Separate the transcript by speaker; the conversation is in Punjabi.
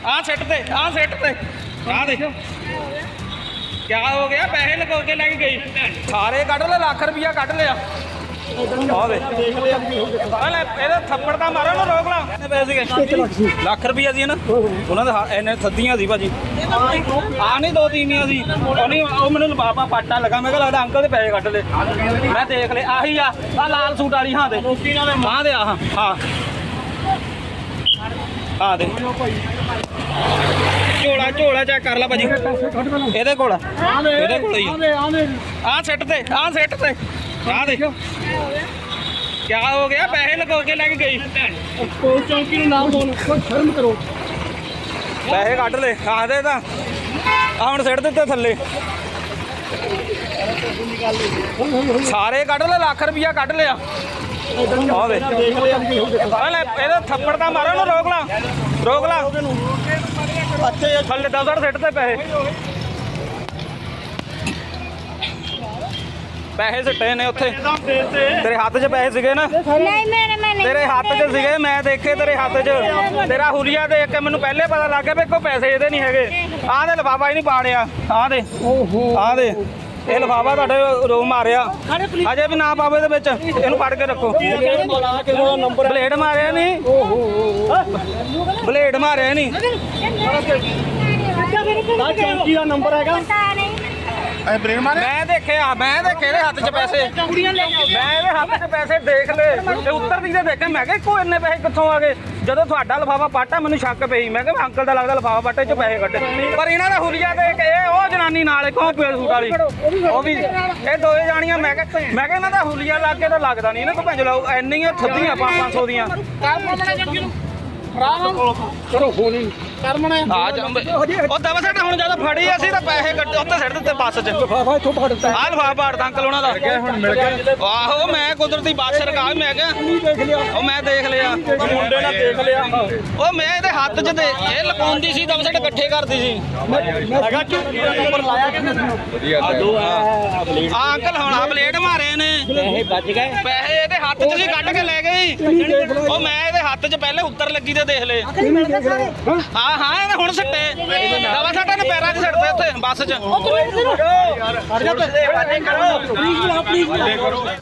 Speaker 1: ਆ ਸਿੱਟ ਤੇ ਆ ਦੇਖ क्या हो गया पैसे लगा के लेके गई सारे कट ले लाख रुपया कट लिया थप्पड़ का मारो ना रोक ला पैसे ਲੱਖ ਰੁਪਈਆ ਸੀ ਨਾ ਉਹਨਾਂ ਦੇ ਇਹਨੇ ਸੱਦੀਆਂ ਸੀ ਭਾਜੀ ਆ ਨਹੀਂ ਦੋ ਤੀਵੀਆਂ ਸੀ ਉਹ ਮੈਨੂੰ ਬਾਬਾ ਪਾਟਾ ਲੱਗਾ ਮੈਂ ਕਿਹਾ ਲੱਗਦਾ ਅੰਕਲ ਦੇ ਪੈਸੇ ਕੱਢ ਲਏ ਮੈਂ ਦੇਖ ਲਏ ਆਹੀ ਆ ਲਾਲ ਸੂਟ ਵਾਲੀ ਹਾਂ ਦੇ ਹਾਂ ਦੇ ਹਾਂ ਦੇ ਝੋਲਾ ਚੈੱਕ ਕਰ ਲਾ ਭਾਜੀ ਇਹਦੇ ਕੋਲ ਹੀ ਆ ਸਿੱਟ ਤੇ ਆ ਦੇਖ क्या हो गया पैसे लगा के लेके गई चौकी नाम बोल शर्म करो पैसे कट ले आदे ਤਾਂ ਆ ਹੁਣ ਸਿੱਟ ਦਿੱਤੇ ਥੱਲੇ ਸਾਰੇ ਕੱਢ ਲੈ ਲੱਖ ਰੁਪਇਆ ਕੱਢ ਲਿਆ ਆ ਦੇ ਇਹਦਾ ਥੱਪੜ ਦਾ ਮਾਰੋ ਨਾ ਰੋਕ ਲਾ ਅੱਛੇ ਥੱਲੇ 10 ਸਿੱਟ ਤੇ ਪੈਸੇ ਸਿੱਟੇ ਨੇ ਉੱਥੇ ਤੇਰੇ ਹੱਥ 'ਚ ਪੈਸੇ ਸੀਗੇ ਨਾ ਨਹੀਂ ਤੇਰੇ ਹੱਥ 'ਚ ਸੀਗੇ ਮੈਂ ਦੇਖੇ ਤੇਰੇ ਹੱਥ 'ਚ ਤੇਰਾ ਹੁਲੀਆ ਦੇਖ ਕੇ ਮੈਨੂੰ ਪਹਿਲੇ ਪਤਾ ਲੱਗ ਗਿਆ ਵੀ ਕੋਈ ਪੈਸੇ ਇਹਦੇ ਨਹੀਂ ਹੈਗੇ ਆਹ ਦੇ ਲਿਫਾਫਾ ਹੀ ਨਹੀਂ ਪਾੜਿਆ ਆਹ ਦੇ ਇਹ ਲਿਫਾਫਾ ਤੁਹਾਡੇ ਰੋ ਮਾਰਿਆ ਅਜੇ ਵੀ ਨਾ ਪਾਵੇ ਇਹਦੇ ਵਿੱਚ ਇਹਨੂੰ ਫੜ ਕੇ ਰੱਖੋ ਬਲੇਡ ਮਾਰਿਆ ਨਹੀਂ
Speaker 2: ਚੌਂਕੀ ਦਾ ਨੰਬਰ ਹੈਗਾ
Speaker 1: ਮੈਂ ਦੇਖਿਆ ਇਹਦੇ ਹੱਥ 'ਚ ਪੈਸੇ ਇਹਦੇ ਹੱਥ 'ਚ ਪੈਸੇ ਦੇਖ ਲਏ ਤੇ ਉੱਤਰਦੀ ਤੇ ਦੇਖਿਆ ਮੈਂ ਕਿਹਾ ਕੋਈ ਇੰਨੇ ਪੈਸੇ ਕਿੱਥੋਂ ਆ ਗਏ ਜਦੋਂ ਤੁਹਾਡਾ ਲਿਫਾਫਾ ਪਾਟਾ ਮੈਨੂੰ ਸ਼ੱਕ ਪਈ ਮੈਂ ਕਿਹਾ ਅੰਕਲ ਦਾ ਲੱਗਦਾ ਲਿਫਾਫਾ ਪਾਟੇ 'ਚ ਪੈਸੇ ਕੱਢੇ ਪਰ ਇਹਨਾਂ ਦਾ ਹੁਲੀਆ ਦੇਖ ਇਹ ਉਹ ਜਨਾਨੀ ਨਾਲ ਕੌਣ ਪੇੜ ਸੂਟ ਵਾਲੀ ਉਹ ਵੀ ਇਹ ਦੋਏ ਜਾਣੀਆਂ ਮੈਂ ਕਿਹਾ ਇਹਨਾਂ ਦਾ ਹੁਲੀਆ ਲੱਗ ਕੇ ਤਾਂ ਲੱਗਦਾ ਨਹੀਂ ਇਹਨਾਂ ਤੋਂ ਭੰਜ ਲਾਓ ਇੰਨੀਆਂ ਥੱਦੀਆਂ 500 ਦੀਆਂ
Speaker 2: ਕਰੋ ਫੋਨ ਹੀ ਕਰਮਣਾ
Speaker 1: ਉਹ ਦਵਾ ਸਾਡਾ ਹੁਣ ਜਦੋਂ ਫੜੀ ਅਸੀਂ ਤਾਂ ਪੈਸੇ ਉੱਤੇ ਸਿੱਟ ਦਿੱਤੇ ਬੱਸ 'ਚ
Speaker 2: ਲਿਫਾਫਾ ਇੱਥੋਂ ਫੜਦਾ
Speaker 1: ਆਹ ਲਿਫਾਫਾ ਪਾੜਦਾ ਅੰਕਲ ਉਹਨਾਂ ਦਾ
Speaker 2: ਹੁਣ ਮਿਲ ਗਿਆ
Speaker 1: ਆਹੋ ਮੈਂ ਕੁਦਰਤੀ ਬੱਸ ਰਕਾ ਮੈਂ ਕਿਹਾ
Speaker 2: ਦੇਖ ਲਿਆ
Speaker 1: ਉਹ ਮੈਂ ਦੇਖ ਲਿਆ
Speaker 2: ਮੁੰਡੇ ਨਾਲ ਦੇਖ ਲਿਆ
Speaker 1: ਉਹ ਮੈਂ ਇਹਦੇ ਹੱਥ 'ਚ ਇਹ ਲਪਾਉਂਦੀ ਸੀ ਦਵਾ ਸਾਡੇ ਇਕੱਠੇ ਕਰਦੀ ਸੀ
Speaker 2: ਹੈਗਾ ਨੰਬਰ ਲਾਇਆ
Speaker 1: ਆ ਅੰਕਲ ਹੁਣ ਆ ਬਲੇਡ ਮਾਰੇ ਨੇ
Speaker 2: ਪੈਸੇ ਬਚ ਗਏ
Speaker 1: ਪੈਸੇ ਇਹਦੇ ਹੱਥ 'ਚ ਸੀ ਕੱਢ ਕੇ ਲੈ ਗਈ ਉਹ ਮੈਂ ਇਹਦੇ ਹੱਥ 'ਚ ਪਹਿਲੇ ਉੱਤਰ ਲੱਗੀ ਤੇ ਦੇਖ ਲਏ ਹਾਂ ਇਹਨੇ ਹੁਣ ਸਿੱਟੇ ਦਵਾ ਸਾਡਾ ਨੇ ਪੈਰਾਂ 'ਚ ਸਿੱਟਦੇ ਉੱਥੇ ਬੱਸ 'ਚ